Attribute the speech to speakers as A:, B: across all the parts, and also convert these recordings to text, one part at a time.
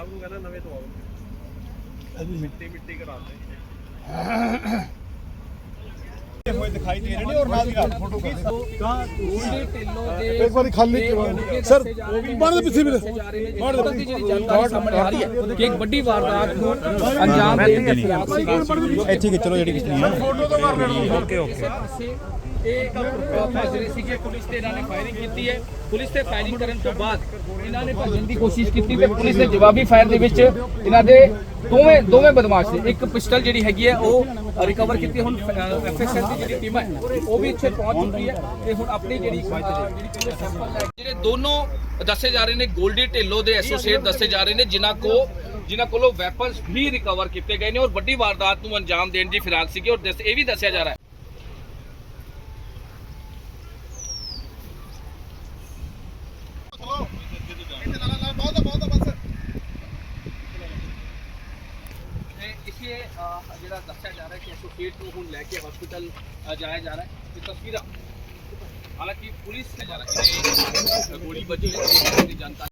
A: ਸਾਹਿਬ ਨੂੰ ਕਹਿੰਦਾ ਨਵੇਂ ਤੋਂ ਆਓ ਮਿੱਟੀ ਕਰਾਉਂਦੇ ਹੋਏ ਦਿਖਾਈ ਦੇ ਰਹੇ ਨੇ ਔਰ ਨਾਲ ਦੀ ਨਾਲ ਫੋਟੋ
B: ਗੋਲਡੀ ਢਿੱਲੋਂ ਦੇ
C: ਇੱਕ ਵਾਰੀ ਖਾਲੀ ਸਰ ਬਾਹਰ ਦੇ ਪਿੱਛੇ ਵੀਰੇ
B: ਬਾਹਰ ਦੀ ਜਿਹੜੀ ਜਾਣਕਾਰੀ ਸਾਹਮਣੇ ਆ ਰਹੀ ਹੈ ਕਿ ਇੱਕ ਵੱਡੀ ਵਾਰਦਾਤ ਨੂੰ ਅੰਜਾਮ ਦੇਣ ਦੇ ਖਿਲਾਫ ਸੀ
C: ਇੱਥੇ ਕਿ ਚਲੋ ਜਿਹੜੀ ਕਿਸ਼ਤੀ ਹੈ ਫੋਟੋ ਤੋਂ ਮਾਰ ਲੈਣਾ ਓਕੇ
B: ਇਹ ਫੈਸਲੇ ਸੀ ਕਿ ਪੁਲਿਸ ਤੇ ਇਹਨਾਂ ਨੇ ਫਾਇਰਿੰਗ ਕੀਤੀ ਹੈ। ਪੁਲਿਸ ਤੇ ਫਾਇਰਿੰਗ ਕਰਨ ਤੋਂ ਬਾਅਦ ਇਹਨਾਂ ਨੇ ਭੱਜਣ ਦੀ ਕੋਸ਼ਿਸ਼ ਕੀਤੀ ਤੇ ਪੁਲਿਸ ਦੇ ਜਵਾਬੀ ਫਾਇਰ ਦੇ ਵਿੱਚ ਇਹਨਾਂ ਦੇ ਦੋਵੇਂ ਬਦਮਾਸ਼ ਨੇ ਇੱਕ ਪਿਸਟਲ ਜਿਹੜੀ ਹੈਗੀ ਹੈ ਉਹ ਰਿਕਵਰ ਕੀਤੀ। ਹੁਣ ਐਫਐਸਐਲ ਦੀ ਜਿਹੜੀ ਟੀਮ ਹੈ ਉਹ ਵੀ ਇੱਥੇ ਪਹੁੰਚ ਚੁੱਕੀ ਹੈ ਤੇ ਹੁਣ ਆਪਣੀ ਜਿਹੜੀ ਜਿਹੜੇ ਦੋਨੋਂ ਦੱਸੇ ਜਾ ਰਹੇ ਨੇ ਗੋਲਡੀ ਢਿੱਲੋਂ ਦੇ ਐਸੋਸੀਏਟ ਦੱਸੇ ਜਾ ਰਹੇ ਨੇ ਜਿਨ੍ਹਾਂ ਕੋਲੋਂ ਵੈਪਨਸ ਵੀ ਰਿਕਵਰ ਕੀਤੇ ਗਏ ਨੇ ਔਰ ਵੱਡੀ ਵਾਰਦਾਤ ਨੂੰ ਅੰਜਾਮ ਦੇਣ ਦੀ ਫਿਰਾਕ ਸੀਗੀ ਔਰ ਇਹ ਵੀ ਦੱਸਿਆ ਜਾ ਰਿਹਾ ਹੈ ਜਿਹੜਾ ਦੱਸਿਆ ਜਾ ਰਿਹਾ ਕਿ ਐਸੋਸੀਏਟ ਨੂੰ ਹੁਣ ਲੈ ਕੇ ਹਸਪੀਟਲ ਜਾਇਆ ਜਾ ਰਿਹਾ ਹੈ। ਇਹ ਤਸਵੀਰਾਂ ਹਾਲਾਂਕਿ ਪੁਲਿਸ ਨੇ ਜਾ ਰਹੀ ਹੈ ਗੋਲੀ ਵੱਜੀ ਹੈ ਦੀ ਜਾਣਕਾਰੀ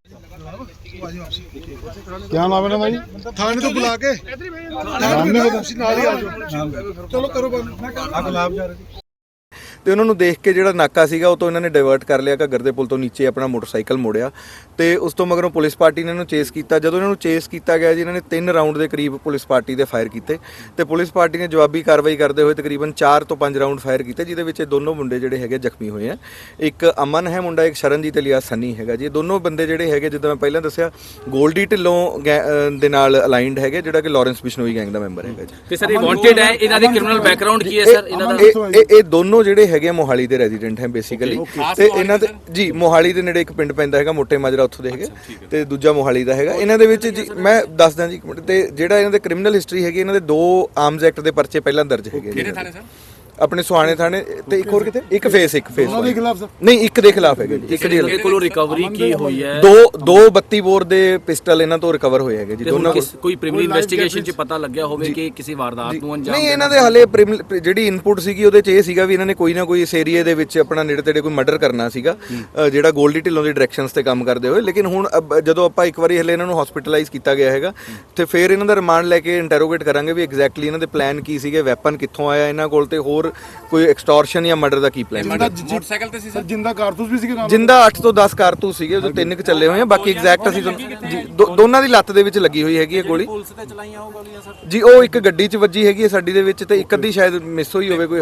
C: क्या नाम है भाई थाने तो बुला के सामने ਤੁਸੀਂ ਨਾਲ ਹੀ ਆ ਜਾਓ ਚਲੋ ਕਰੋ ਬੰਦ ਅਗਲਾਬ ਜਾ ਰਹੇ
D: ਤੇ ਉਹਨਾਂ ਨੂੰ ਦੇਖ ਕੇ ਜਿਹੜਾ ਨਾਕਾ ਸੀਗਾ ਉਹ ਤੋਂ ਇਹਨਾਂ ਨੇ ਡਾਇਵਰਟ ਕਰ ਲਿਆ ਘੱਗਰ ਦੇ ਪੁਲ ਤੋਂ ਨੀਚੇ ਆਪਣਾ ਮੋਟਰਸਾਈਕਲ ਮੋੜਿਆ ਤੇ ਉਸ ਤੋਂ ਮਗਰੋਂ ਪੁਲਿਸ ਪਾਰਟੀ ਨੇ ਇਹਨੂੰ ਚੇਸ ਕੀਤਾ। ਜਦੋਂ ਇਹਨਾਂ ਨੂੰ ਚੇਸ ਕੀਤਾ ਗਿਆ ਜੀ ਇਹਨਾਂ ਨੇ 3 ਰਾਊਂਡ ਦੇ ਕਰੀਬ ਪੁਲਿਸ ਪਾਰਟੀ ਦੇ ਫਾਇਰ ਕੀਤੇ ਤੇ ਪੁਲਿਸ ਪਾਰਟੀ ਨੇ ਜਵਾਬੀ ਕਾਰਵਾਈ ਕਰਦੇ ਹੋਏ ਤਕਰੀਬਨ 4 ਤੋਂ 5 ਰਾਊਂਡ ਫਾਇਰ ਕੀਤੇ ਜਿਹਦੇ ਵਿੱਚ ਇਹ ਦੋਨੋਂ ਮੁੰਡੇ ਜਿਹੜੇ ਹੈਗੇ ਜ਼ਖਮੀ ਹੋਏ ਆ। ਇੱਕ ਅਮਨ ਹੈ ਮੁੰਡਾ, ਇੱਕ ਸ਼ਰਨਜੀਤ ਇਲੀਆਸ ਸੰਨੀ ਹੈਗਾ ਜੀ। ਇਹ ਦੋਨੋਂ ਬੰਦੇ ਜਿਹੜੇ ਹੈਗੇ ਜਿੱਦਾਂ ਮੈਂ ਪਹਿਲਾਂ ਦੱਸਿਆ ਗੋਲਡੀ ਢਿੱਲੋਂ ਦੇ ਨਾਲ ਅਲਾਈਨਡ ਹੈਗੇ ਜਿਹੜਾ ਕਿ ਲਾਰੈਂਸ ਬਿਸ਼ਨੋਈ ਗੈਂਗ ਦਾ ਮੈਂਬਰ ਹੈਗਾ ਜੀ।
B: ਤੇ ਸਰ ਇਹ ਵਾਂਟਡ ਹੈ, ਇਹਨਾਂ ਦੇ ਕ੍ਰਿਮੀਨਲ ਬੈਕਗ੍ਰਾਉਂਡ ਕੀ ਹੈ ਸਰ ਇਹਨਾਂ ਦਾ?
D: ਇਹ ਦੋਨੋਂ ਜਿਹੜੇ ਹੈਗੇ ਮੋਹਾਲੀ ਦੇ ਰੈਜ਼ੀਡੈਂਟ ਹੈ ਬੇਸਿਕਲੀ ਤੇ ਇਹਨਾਂ ਦੇ ਜੀ ਮੋਹਾਲੀ ਦੇ ਨੇੜੇ ਇੱਕ ਪਿੰਡ ਪੈਂਦਾ ਹੈਗਾ ਮੋਟੇ ਮਾਜਰਾ ਉੱਥੋਂ ਦੇ ਹੈਗੇ ਤੇ ਦੂਜਾ ਮੋਹਾਲੀ ਦਾ ਹੈਗਾ। ਇਹਨਾਂ ਦੇ ਵਿੱਚ ਜੀ ਮੈਂ ਦੱਸਦਾ ਜੀ ਇੱਕ ਮਿੰਟ ਤੇ ਜਿਹੜਾ ਇਹਨਾਂ ਦੇ ਕ੍ਰਿਮੀਨਲ ਹਿਸਟਰੀ ਹੈਗੀ ਇਹਨਾਂ ਦੇ 2 ਆਰਮਸ ਐਕਟ ਦੇ ਪਰਚੇ ਪਹਿਲਾਂ ਦਰਜ ਹੈਗੇ
B: ਕਿਹੜੇ ਥਾਣੇ ਸਰ?
D: ਆਪਣੇ ਸੁਹਾਣੇ ਥਾਣੇ ਤੇ ਇੱਕ ਹੋਰ ਕਿਤੇ ਇੱਕ ਫੇਸ
C: ਉਹਨਾਂ ਦੇ ਖਿਲਾਫ ਸਰ
D: ਨਹੀਂ ਇੱਕ ਦੇ ਖਿਲਾਫ ਹੈਗੇ ਜੀ। ਇੱਕ
B: ਦੇ ਕੋਲੋਂ ਰਿਕਵਰੀ ਕੀ ਹੋਈ ਹੈ?
D: ਦੋ 32 ਬੋਰ ਦੇ ਪਿਸਟਲ ਇਹਨਾਂ ਤੋਂ ਰਿਕਵਰ ਹੋਏ ਹੈਗੇ ਜੀ ਦੋਨਾਂ।
B: ਕੋਈ ਪ੍ਰੀਲਿਮਿਨਰੀ ਇਨਵੈਸਟੀਗੇਸ਼ਨ 'ਚ ਪਤਾ ਲੱਗਿਆ ਹੋਵੇ ਕਿ ਕਿਸੇ ਵਾਰਦਾਤ ਨੂੰ ਅੰਜਾਮ
D: ਨਹੀਂ ਇਹਨਾਂ ਦੇ ਹਲੇ ਜਿਹੜੀ ਇਨਪੁਟ ਸੀਗੀ ਉਹਦੇ 'ਚ ਇਹ ਸੀਗਾ ਵੀ ਇਹਨਾਂ ਨੇ ਕੋਈ ਨਾ ਕੋਈ ਇਸ ਏਰੀਏ ਦੇ ਵਿੱਚ ਆਪਣਾ ਨੇੜੇ ਤੇੜੇ ਕੋਈ ਮਰਡਰ ਕਰਨਾ ਸੀਗਾ ਜਿਹੜਾ ਗੋਲਡੀ ਢਿੱਲੋਂ ਦੀ ਡਾਇਰੈਕਸ਼ਨਸ ਤੇ ਕੰਮ ਕਰਦੇ ਹੋਏ। ਲੇਕਿਨ ਹੁਣ ਜਦੋਂ ਆਪਾਂ ਇੱਕ ਵਾਰੀ ਹਲੇ ਇਹਨਾਂ ਨੂੰ ਹਸਪੀਟਲਾਈਜ਼ ਕੀਤਾ ਗਿਆ ਹੈਗਾ ਤੇ ਫਿਰ ਇਹਨਾਂ ਦਾ ਰਿਮਾਂਡ ਲੈ ਕੇ ਇੰਟਰੋਗੇਟ ਕਰਾਂਗੇ ਵੀ ਐਗਜ਼ੈਕਟਲੀ ਇਹਨਾਂ ਦੇ ਪਲਾਨ ਕੀ ਸੀਗੇ, ਵੈਪਨ ਕਿੱਥੋਂ ਆਇਆ ਇਹਨਾਂ ਕੋਲ ਤੇ ਹੋਰ ਕੋਈ ਐਕਸਟੋਰਸ਼ਨ ਜਾਂ ਮਰਡਰ ਦਾ ਕੀ ਪਲਾਨ ਹੈ।
B: ਮੋਟਰਸਾਈਕਲ ਤੇ ਸੀ ਸਰ
C: ਜਿੰਦਾ ਕਾਰਤੂਸ ਵੀ ਸੀਗੇ ਨਾਲ?
D: ਜਿੰਦਾ 8 ਤੋਂ 10 ਕਾਰਤੂਸ ਸੀਗੇ ਉਹਦੇ 3 ਚੱਲੇ ਹੋਏ ਆ। ਬਾਕੀ ਐਗਜ਼ੈਕਟ ਅਸੀਂ ਜੀ ਦੋਨਾਂ ਦੀ ਲੱਤ ਦੇ ਵਿੱਚ ਲੱਗੀ ਹੋਈ ਹੈਗੀ ਹੈ ਗੋਲੀ।
B: ਪੁਲਿਸ ਤੇ ਚਲਾਈਆਂ ਉਹ ਗੋਲੀਆਂ ਸਰ
D: ਜੀ ਉਹ ਇੱਕ ਗੱਡੀ 'ਚ ਵੱਜੀ ਹੈਗੀ ਹੈ ਸਾਡੀ ਦੇ ਵਿੱਚ ਤੇ ਇੱਕ ਅੱਧੀ ਸ਼ਾਇਦ ਮਿਸ ਹੋਈ ਹੋਵੇ ਕੋਈ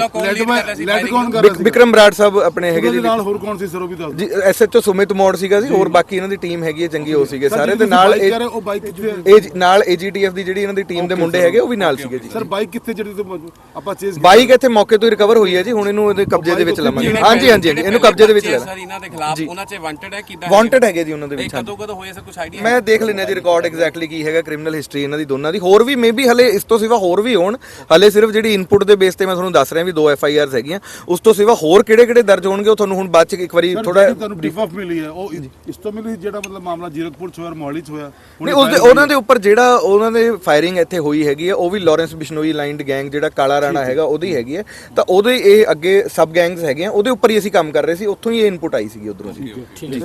C: ਲੈਡ ਕੌਣ ਕਰ ਰਿਹਾ ਸੀ?
D: ਵਿਕਰਮ ਬਰਾੜ ਸਾਹਿਬ ਆਪਣੇ ਹੈਗੇ ਜੀ
C: ਨਾਲ ਹੋਰ ਕੌਣ ਸੀ ਸਰ ਉਹ ਵੀ ਦੱਸ
D: ਜੀ ਐਸਐਚਓ ਸੁਮਿਤ ਮੋੜ ਸੀਗਾ ਜੀ ਹੋਰ ਬਾਕੀ ਇਹਨਾਂ ਦੀ ਟੀਮ ਹੈਗੀ ਹੈ ਚੰਗੀ ਹੋ ਸੀਗੇ ਸਾਰੇ ਤੇ ਨਾਲ
C: ਉਹ ਬਾਈਕ ਕਿੱਥੇ
D: ਨਾਲ ਏਜੀਟੀਐਫ ਦੀ ਜਿਹੜੀ ਇਹਨਾਂ ਦੀ ਟੀਮ ਦੇ ਮੁੰਡੇ ਹੈਗੇ ਉਹ ਵੀ ਨਾਲ ਸੀਗੇ ਜੀ।
C: ਸਰ ਬਾਈਕ ਕਿੱਥੇ ਜਿਹੜੀ ਤੋਂ ਆਪਾਂ ਚੇਸ
D: ਬਾਈਕ ਇੱਥੇ ਮੌਕੇ ਤੋਂ ਹੀ ਰਿਕਵਰ ਹੋਈ ਹੈ ਜੀ। ਹੁਣ ਇਹਨੂੰ ਇਹਦੇ ਕਬਜ਼ੇ ਦੇ ਵਿੱਚ ਲਵਾਂਗੇ। ਹਾਂਜੀ ਇਹਨੂੰ ਕਬਜ਼ੇ ਦੇ ਵਿੱਚ ਲੈ
B: ਸਰ ਇਹਨਾਂ ਦੇ ਖਿਲਾਫ ਉਹਨਾਂ 'ਚ ਵਾਂਟਡ ਹੈ ਕਿਦਾਂ
D: ਵਾਂਟਡ ਹੈਗੇ ਜੀ ਉਹਨਾਂ ਦੇ ਵਿੱਚ।
B: ਕਦੋਂ ਹੋਏ ਸਰ ਕੁਝ ਆਈਡੀਆ?
D: ਮੈਂ ਦੇਖ ਲੈਣਾ ਜੀ ਰਿਕਾਰਡ ਐਗਜ਼ੈਕਟਲੀ ਕੀ ਹੈਗਾ ਕ੍ਰਿਮੀਨਲ ਹਿਸਟਰੀ ਇਹਨਾਂ ਦੀ ਦੋਨਾਂ ਦੀ। ਹੋਰ ਵੀ ਮੇਬੀ ਹਲੇ ਇਸ ਤੋਂ ਸਿਵਾ ਹੋਰ ਵੀ ਹੋਣ। ਹਲੇ ਸਿਰਫ ਜਿਹੜੀ ਇਨਪੁਟ ਦੇ ਬੇਸ ਤੇ ਮੈਂ ਤੁਹਾਨੂੰ ਦੱਸ ਰਿਹਾ ਵੀ 2 ਐਫਆਈਆਰਸ ਹੈਗੀਆਂ। ਉਸ ਤੋਂ ਸਿਵਾ ਹੋਰ ਕਿਹੜੇ ਦਰਜ ਹੋਣਗੇ ਉਹ ਤੁਹਾਨੂੰ ਹੁਣ ਬਾਅਦ ਚ ਇੱਕ ਵਾਰੀ ਥੋੜਾ
C: ਤੁਹਾਨੂੰ ਬਰੀਫ ਆਫ ਮਿਲੀ ਹੈ ਉਹ ਇਸ ਤੋਂ ਮਿਲੀ ਜਿਹੜਾ ਮਤਲਬ ਮਾਮਲਾ ਜੀਰਕਪੁਰ ਚ ਹੋਇਆ ਮੋਹਾਲੀ ਚ ਹੋਇਆ
D: ਨਹੀਂ ਉਹਨਾਂ ਦੇ ਉੱਪਰ ਜਿਹੜਾ ਉਹਨਾਂ ਦੇ ਫਾਇਰਿੰਗ ਇੱਥੇ ਹੋਈ ਹੈਗੀ ਹੈ ਉਹ ਵੀ ਲਾਰੈਂਸ ਬਿਸ਼ਨੋਈ ਲਾਈਨਡ ਗੈਂਗ ਜਿਹੜਾ ਕਾਲਾ ਰਾਣਾ ਹੈਗਾ ਉਹਦੀ ਹੈਗੀ ਹੈ ਤਾਂ ਉਹਦੇ ਇਹ ਅੱਗੇ ਸਬ ਗੈਂਗਸ ਹੈਗੇ ਆ ਉਹਦੇ ਉੱਪਰ ਹੀ ਅਸੀਂ ਕੰਮ ਕਰ ਰਹੇ ਸੀ। ਉੱਥੋਂ ਹੀ ਇਹ ਇਨਪੁਟ ਆਈ ਸੀਗੀ ਉਧਰੋਂ ਜੀ।